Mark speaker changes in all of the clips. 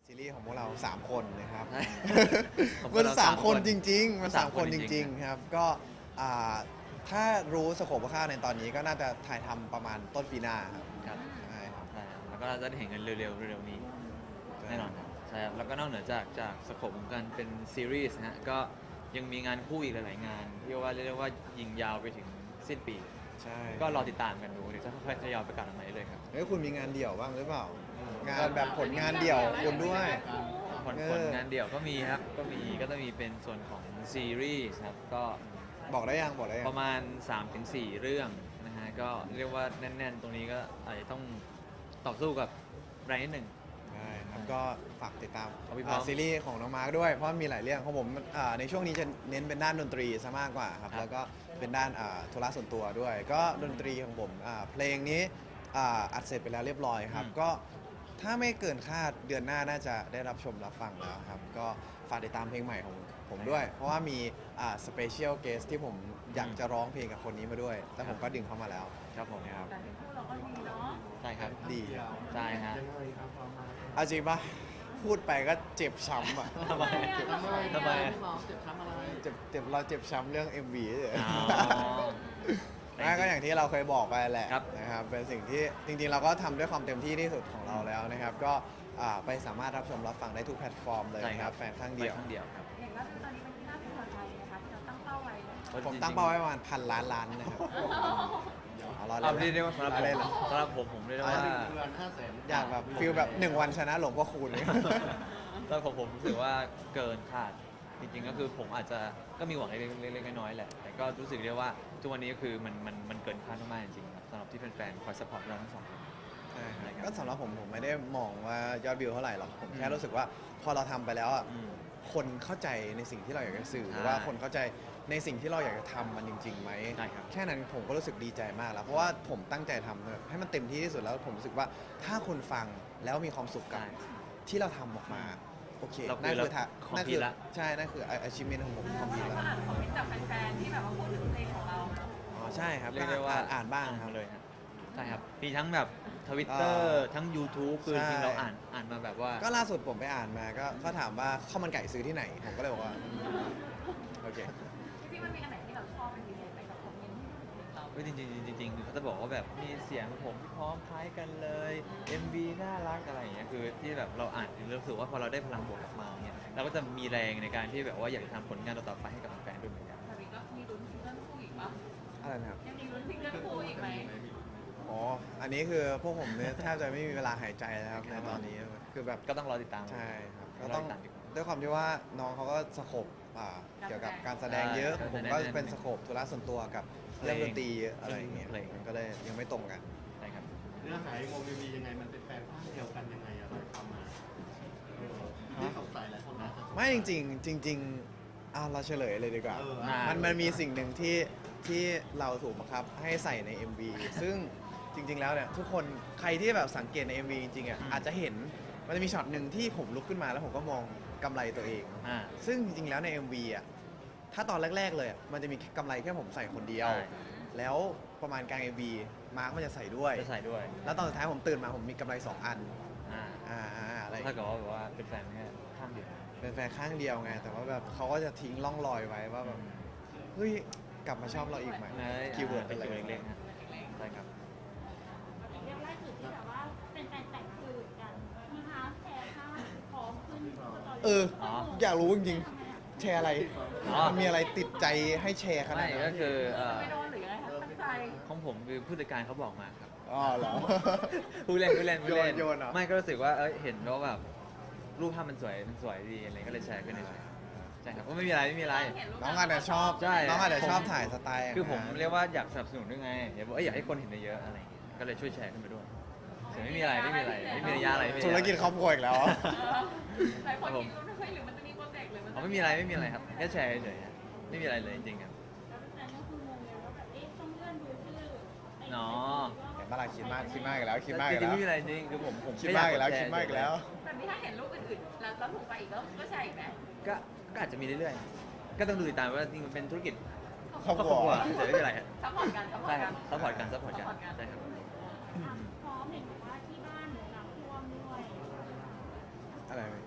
Speaker 1: ซีรีส์ของพวกเรา3คนนะครับ
Speaker 2: ของพว
Speaker 1: มั
Speaker 2: ก
Speaker 1: น
Speaker 2: เรา
Speaker 1: สาม
Speaker 2: 3
Speaker 1: คนจริงๆมัน
Speaker 2: สา
Speaker 1: สาม ม
Speaker 2: ค
Speaker 1: คน น
Speaker 2: จ
Speaker 1: จ
Speaker 2: ริงๆ
Speaker 1: ริงๆครับก็อ่าถ้ารู้สโคปคร่าวๆในตอนนี้ก็น่าจะถ่ายทำประมาณต้นปีหน้าครับ
Speaker 2: ครับ
Speaker 1: ใช่ครับ
Speaker 2: ใช่ครับแล้วก็เราจะได้เห็นกันเร็วๆนี้แน่นอนครับใช่ครับแล้วก็นอกเหนือจากสโคปของการเป็นซีรีส์นะฮะก็ยังมีงานคู่อีกหลายๆงานที่ว่าเรียกได้ว่ายิงยาวไปถึงสิ้นปี
Speaker 1: ใช่
Speaker 2: ก็รอติดตามกันดูเดี๋ยวจะค่อยๆทยอยประกาศออกมาเลยครับ
Speaker 1: เฮ้ยคุณมีงานเดี่ยวบ้างหรือเปล่า งานแบบผลงานเดี่ยวคุณด้วย
Speaker 2: ผลงานเดี่ยวก็มีครับก็ต้องมีเป็นส่วนของซีรีส์ครับก็
Speaker 1: บอกได้ยังบอกได้ยัง
Speaker 2: ประมาณ 3-4 เรื่องนะฮะก็เรียกว่าแน่นๆ ตรงนี้ก็อาจจะต้องต่อสู้กับแรงนิดหนึ่ง
Speaker 1: ใช่ครับก็ฝากติดตาม
Speaker 2: เอาพี่พร้อม
Speaker 1: ซีรีส์ของน้องมาร์คด้วยเพราะมีหลายเรื่องของผมในช่วงนี้จะเน้นเป็นด้านดนตรีซะมากกว่าครับ
Speaker 2: ครับ
Speaker 1: แล้วก็เป็นด้านธุระส่วนตัวด้วย ก็ดนตรีของผมเพลงนี้อัดเสร็จไปแล้วเรียบร้อยครับก็ถ้าไม่เกินคาดเดือนหน้าน่าจะได้รับชมรับฟังแล้วครับก็ฝากติดตามเพลงใหม่ของผมด้วย เพราะว่ามีสเปเชียลเกสที่ผมอยากจะร้องเพลงกับคนนี้มาด้วยแล้วผมก็ดึงเข้ามาแล้ว
Speaker 2: ครับผม
Speaker 1: นะครับ
Speaker 3: แต่ที่คู่เราก็ดีเนาะ
Speaker 2: ใช่ครับ
Speaker 1: ดี
Speaker 2: ใช่ฮะ
Speaker 1: เอาจริงปะพูดไปก็เจ็บช้ำอ่ะ
Speaker 2: ทำไมทำไม
Speaker 1: เจ็บเราเจ็บช้ำเรื่อง MV เลย
Speaker 2: อ๋อ
Speaker 1: นั่นก็อย่างที่เราเคยบอกไปแหละ
Speaker 2: ครับ
Speaker 1: นะครับเป็นสิ่งที่จริงๆเราก็ทำด้วยความเต็มที่ที่สุดของเราแล้วนะครับ ก็ไปสามารถรับชมรับฟังได้ทุกแพลตฟอร์มเลย
Speaker 2: ใช่
Speaker 1: นะ
Speaker 2: ค
Speaker 1: ค
Speaker 2: รั
Speaker 1: รั
Speaker 2: บบ
Speaker 1: แฟนข้างเดียว
Speaker 2: ไปข้างเดียวครับ
Speaker 3: เห็นว่าตอนนี้มันที่น่าพึงพอใจนะคะที่เราตั้งเป้าไว้
Speaker 1: ผมตั้งเป้าไว้ประมาณ1,000 ล้านนะครับเอาเรา
Speaker 2: เอา
Speaker 1: เล่
Speaker 2: เรีย
Speaker 1: น
Speaker 2: กได้ว่าสำหรับ
Speaker 1: เอา
Speaker 2: ผม
Speaker 1: เล่นเหรอ
Speaker 2: สำหรับผมเรียกได้ว่า
Speaker 1: อยากแบบฟิลแบบ1 วันชนะหลวงพ่อคูณ
Speaker 2: สำหรับผมรู้สึกว่าเกินคาดจริงๆก็คือผมอาจจะก็มีหวังเล็กๆน้อยๆแหละแต่ก็รู้สึกได้ว่าทุกวันนี้ก็คือมันเกินคาดมากๆจริงๆครับสำหรับที่แฟนๆคอยสปอร์ตเราทั้งสองคน
Speaker 1: ใช่ครับก็สำหรับผมไม่ได้มองว่ายอดวิวเท่าไหร่หรอกผมแค่รู้สึกว่าพอเราทำไปแล้วอ่ะ
Speaker 2: อืม
Speaker 1: คนเข้าใจในสิ่งที่เราอยากจะสื่อหรือ
Speaker 2: ใช่
Speaker 1: ว่าคนเข้าใจในสิ่งที่เราอยากจะทำมันจริงๆไหม
Speaker 2: ใช่ครับ
Speaker 1: แค่นั้นผมก็รู้สึกดีใจมากแล้วเพราะว่าผมตั้งใจทำให้มันเต็มที่ที่สุดแล้วผมรู้สึกว่าถ้าคนฟังแล้วมีความสุขกับ
Speaker 2: ใช่
Speaker 1: ที่เราทำออกมาโอเค
Speaker 2: เราคือ
Speaker 1: นั่นคือ
Speaker 2: เรา
Speaker 1: นั่น
Speaker 2: complete
Speaker 1: คือ
Speaker 2: ละ
Speaker 1: ใช่นั่นคือ achievement ของผมคอมพิว
Speaker 3: ก็
Speaker 1: แล้ว
Speaker 3: อ่านคอมเมนต์จากแฟนๆที่แบบว่าพูดถึงเพลงของเราเนาะ
Speaker 1: อ๋อใช่ครับ
Speaker 2: เรียกได้ว่า
Speaker 1: อ่านบ้างครับ
Speaker 2: เลยครับใช่ครับมีทั้งแบบทวิตเตอร์ทั้ง YouTube คือจริงๆเราอ่านมาแบบว่า
Speaker 1: ก็ล่าสุดผมไปอ่านมาก็ถามว่าข้าวมันไก่ซื้อที่ไหนผมก็เลยบอกว่าโอเค
Speaker 3: จริงๆมันมีอันไหนที่เราชอบเป็นพิเศษไหมกับคอมเมนต์ที่เพลงเรา
Speaker 2: เฮ้ยจริงๆเขาจะบอกว่าแบบมีเสียงผมที่พร้อมคล้ายกันเลย MV น่ารักอะไรอย่างเงี้ยคือที่แบบเราอ่านรู้สึกว่าพอเราได้พลังบวกกลับมาเนี่ยเราก็จะมีแรงในการที่แบบว่าอยากจะทำผลงานต่อๆไปให้กับแฟนๆด้วยเหมือนกัน
Speaker 3: แต่นี้ก็มีลุ้นซิงเกิลคู่อีกปะ
Speaker 1: อะไรนะครับ
Speaker 3: ยังมีลุ้นซิงเกิลคู่อีกไหม
Speaker 1: อ๋อ อันนี้คือพวกผมเนี่ยแทบจะไม่มีเวลาหายใจแล้วครับในตอนนี้คือแบบ
Speaker 2: ก็ต้องรอติดตาม
Speaker 1: ใช่ครับ
Speaker 2: ร
Speaker 1: ก็
Speaker 2: อ
Speaker 1: ต้อง
Speaker 2: ติดตามดีกว่า
Speaker 1: ด้วยความที่ว่าน้องเขาก็สโคปเกี่ยวกับการแสดงเยอะ
Speaker 2: ใช่
Speaker 1: ผมก็เป็นสโคปธุระส่วนตัวกับเรื่องดนตรีอะไรอย่างเงี้ย
Speaker 2: เพลง
Speaker 1: มันก็เลยยังไม่ตรงกัน
Speaker 2: ใช่ครับ
Speaker 4: เนื้อหาโมมีวียังไงมันเป็นแฟนข้างเดียวกันยังไงอะเราทำมาที่สงสัยหลายคนนะ
Speaker 1: ไม่จริงๆจริงๆเราเฉลยเลยดีกว่า
Speaker 4: เออ
Speaker 1: มันมีสิ่งหนึ่งที่เราถูกบังคับให้ใส่ใน MV ซึ่งจริง ๆ แล้วเนี่ยทุกคนใครที่แบบสังเกตใน MV จริงๆอ่ะอาจจะเห็นมันจะมีช็อตหนึ่งที่ผมลุกขึ้นมาแล้วผมก็มองกำไรตัวเอง
Speaker 2: อ่า
Speaker 1: ซึ่งจริงๆแล้วใน MV อ่ะถ้าตอนแรก ๆ เลยอะมันจะมีกำไรแค่ผมใส่คนเดียว
Speaker 2: ใช่
Speaker 1: แล้วประมาณกลาง MV มาร์คมันจะใส่ด้วย
Speaker 2: จะใส่ด้วย
Speaker 1: แล้วตอนสุดท้ายผมตื่นมาผมมีกำไร 2 อัน
Speaker 2: อ่า
Speaker 1: อะไร
Speaker 2: ถ้าเกิดว่าแบบว่าเป็นแฟนแค่ข้างเดียว
Speaker 1: เป็นแฟนข้างเดียวไง แต่ว่าแบบเขาก็จะทิ้งร่องรอยไว้ว่าแบบเฮ้ยกลับมาชอบเราอีกไหมคีย์เวิร์ด
Speaker 2: เป็น
Speaker 1: อะไร
Speaker 2: คีย์เวิร์ดเล็กๆฮะใช่ครับ
Speaker 5: เรื่องล่าสุดที่แบบว่าเป็นแฟนแต่งคืนกันมีฮาร์ฟแชร์ภาพพร้อมขึ้นสตอรี่
Speaker 1: เออ
Speaker 2: อ๋อ
Speaker 1: อยากรู้จริงๆแชร์อะไร
Speaker 2: อ๋อ
Speaker 1: มันมีอะไรติดใจให้แชร์ขนา
Speaker 2: ไม่
Speaker 1: ดนั้
Speaker 2: ก็
Speaker 1: น
Speaker 2: คือ
Speaker 3: ไม่โดนหรือยังไงคะตั้งใจ
Speaker 2: ของผมคือผู้จัดการเขาบอกมาครับ
Speaker 1: อ๋อเหรอ
Speaker 2: ผู้เล่น
Speaker 1: โยนเหรอ
Speaker 2: ไม่ก็รู้สึกว่าเห็นว่าแบบรูปภาพมันสวยดีอะไรก็เลยแชร์ขึ้นเฉยๆใช่ครับก็ไม่มีอะไร
Speaker 3: เห็นรูป
Speaker 1: น้องอาจจะชอบ
Speaker 2: ใช่
Speaker 1: น้องอาจจะชอบถ่ายสไตล์
Speaker 2: คือผม
Speaker 1: นะ
Speaker 2: เรียกว่าอยากสนับสนุนด้วยไงอยากให้คนเห็นเยอะๆอะไรอย่างเงี้ยก็เลยช่วยแชร์ขึ้นไปด้วยแต่ไม่มีอะไรไม่มีระยะอะไรไม่มี
Speaker 1: ธุรกิจครอบครัวอีกแล้ว
Speaker 3: หลายคนคิดว่าเฮ้ยหรือมันจะมีโปรเจกต์หรือมัน
Speaker 2: อ๋อไม่มีอะไรครับแค่แชร์เฉยๆฮะไม่มีอะไรเลยจริงๆครับ
Speaker 5: แล้วแฟนก็คืองงเลยว่าแบบเอ๊ะต้องเลื่อนดูชื่อไอ้
Speaker 2: เนาะ
Speaker 1: เห็นปะล่ะคิดมากอีกแล้วคิดมาก
Speaker 2: จ
Speaker 1: อีก
Speaker 2: ริงๆ
Speaker 1: แล้ว
Speaker 2: ไม่มีอะไรจริงคือผม
Speaker 1: คิดมากอีกแล้วคิดมากอีกแล้ว
Speaker 3: แบบนี้ถ้าเห็นรูปอื่นๆแล้วถูกไปอีกก็แชร์อีกไหม
Speaker 2: ก็อาจจะมีเรื่อยๆก็ต้องดูติดตามว่าจริงๆมันเป็นธุรกิจ
Speaker 1: ครอบครัว
Speaker 2: แต่ไม่มีอะไรฮะ
Speaker 3: ซัพพอร์ตกันซัพพอ
Speaker 2: ใช่
Speaker 3: ร์ต
Speaker 2: ค
Speaker 3: กั
Speaker 2: รั
Speaker 3: น
Speaker 2: บซัพพอร์ตกันใช่ครับ
Speaker 5: อ่ะพร้อมเห็นบอกว่าที่บ้านน้ำท่วมด้วย
Speaker 1: อะไร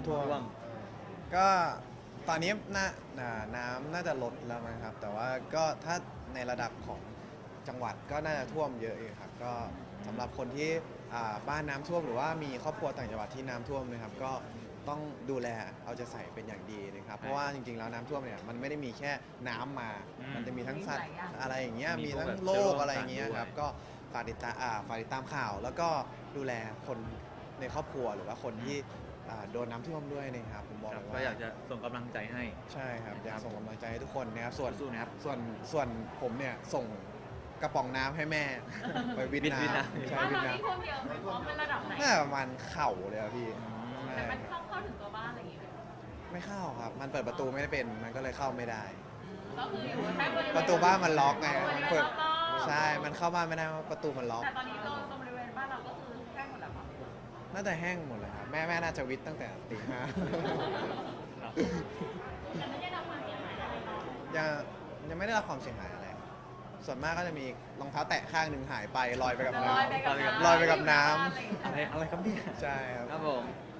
Speaker 1: ำท่วม ก็ตอนนี้น้ำน่าจะลดแล้วนะครับ แต่ว่าก็ถ้าในระดับของจังหวัดก็น่าจะท่วมเยอะอยู่ครับ ก็สำหรับคนที่บ้านน้ำท่วมหรือว่ามีครอบครัวต่างจังหวัดที่น้ำท่วมนะครับ ก็ต้องดูแลเอาใจใส่เป็นอย่างดีนะครับ เพราะว่าจริงๆแล้วน้ำท่วมเนี่ยมันไม่ได้มีแค่น้ำมา มันจะมีทั้งสัตว์อะไรอย่างเงี้ย มีทั้งโรคอะไรอย่างเงี้ยครับ ก็ฝากติดตามข่าว แล้วก็ดูแลคนในครอบครัวหรือว่าคนที่โดนน้ำท่วมด้วยนะครับ ผมบอก
Speaker 2: ค
Speaker 1: เล
Speaker 2: รับ
Speaker 1: ย
Speaker 2: ก็
Speaker 1: ว่า
Speaker 2: อยากจะส่งกำลังใจให้
Speaker 1: ใช่ครับอยากส่งกำลังใจให้ทุกคนนะครับส่วน
Speaker 2: สู้นะครับ
Speaker 1: ส่วนผมเนี่ยส่งกระป๋องน้ำให้แม่ ไปวิท
Speaker 2: วิท
Speaker 1: น้
Speaker 2: น้ำ
Speaker 1: ำใช่
Speaker 3: บ้าน
Speaker 1: วิท
Speaker 3: เรา
Speaker 1: น้
Speaker 3: ที่ท่วมเยอะไหมพร้อมเป็นระดับไหน
Speaker 1: ำน่าประมาณเข่าเลยอะพี่ใช่
Speaker 3: แต่มันเข้าถึงตัวบ้านอะไรอย่างเงี้ย
Speaker 1: ไม่เข้าครับ มันเปิดประตูไม่ได้เป็นมันก็เลยเข้าไม่ได้
Speaker 3: ก็คืออยู่แค่บริเวณ
Speaker 1: ประตูบ้านมันล็อกไง
Speaker 3: บริ
Speaker 1: มัน
Speaker 3: เวณ
Speaker 1: เปิด
Speaker 3: รอบๆ
Speaker 1: ใช่มันเข้าบ้านไม่ได้เพราะประตูมันล็อก
Speaker 3: แต่ตอนนี้ตรงบริเวณบ้านเราก็คือแห้งหมดแล้วครับ
Speaker 1: น่าจะแห้งหมดเลยครับแม่น่าจะวิทตั้งแต่ตี ห้า
Speaker 5: แต่ไม่ได้รับความเสียหายอะไรเนาะ
Speaker 1: ยังไม่ได้รับความเสียหายอะไร ส่วนมากก็จะมีรองเท้าแตะข้างหนึ่งหายไปลอยไปกับน้
Speaker 3: ลอยไปกับน้ำ
Speaker 1: ลอยไปกับน้ำ
Speaker 3: อะไรอย่างเงี้ย
Speaker 2: อะไรครับเนี่ย
Speaker 1: ำใช่ครับ
Speaker 2: ครับผม